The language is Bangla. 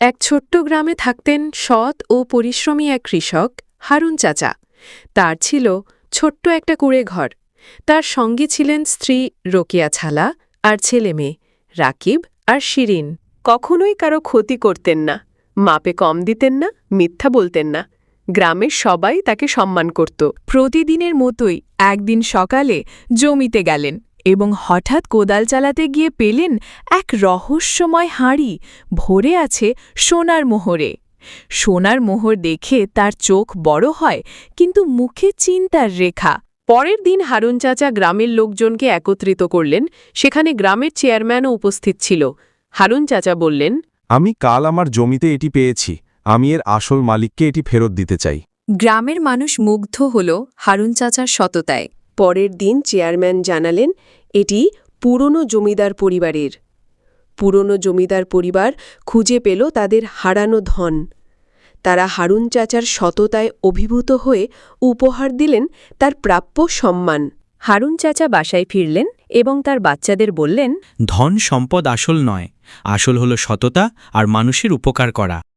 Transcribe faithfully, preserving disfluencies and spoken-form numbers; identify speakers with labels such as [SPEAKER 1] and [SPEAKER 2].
[SPEAKER 1] এক ছোট্ট গ্রামে থাকতেন সৎ ও পরিশ্রমী এক কৃষক হারুন চাচা। তার ছিল ছোট্ট একটা কুঁড়ে ঘর। তার সঙ্গে ছিলেন স্ত্রী রোকেয়া ছালা আর ছেলে মেয়ে রাকিব আর শিরিন। কখনোই কারো ক্ষতি করতেন না, মাপে কম দিতেন না, মিথ্যা বলতেন না। গ্রামের সবাই তাকে সম্মান করত।
[SPEAKER 2] প্রতিদিনের মতোই একদিন সকালে জমিতে গেলেন এবং হঠাৎ কোদাল চালাতে গিয়ে পেলেন এক রহস্যময় হাঁড়ি ভরে আছে সোনার মোহরে। সোনার মোহর দেখে তার চোখ বড় হয়, কিন্তু মুখে চিন্তার রেখা।
[SPEAKER 1] পরের দিন হারুন চাচা গ্রামের লোকজনকে একত্রিত করলেন। সেখানে গ্রামের চেয়ারম্যানও উপস্থিত ছিল। হারুন চাচা বললেন,
[SPEAKER 3] আমি কাল আমার জমিতে এটি পেয়েছি। আমি এর আসল মালিককে এটি ফেরত দিতে চাই।
[SPEAKER 2] গ্রামের মানুষ মুগ্ধ হল হারুন চাচার সততায়।
[SPEAKER 1] পরের দিন চেয়ারম্যান জানালেন, এটি পুরনো জমিদার পরিবারের। পুরনো জমিদার পরিবার খুঁজে পেল তাদের হারানো ধন। তারা হারুন চাচার সততায় অভিভূত হয়ে উপহার দিলেন তার প্রাপ্য সম্মান।
[SPEAKER 2] হারুন চাচা বাসায় ফিরলেন এবং তার বাচ্চাদের বললেন,
[SPEAKER 4] ধন সম্পদ আসল নয়, আসল হলো সততা আর মানুষের উপকার করা।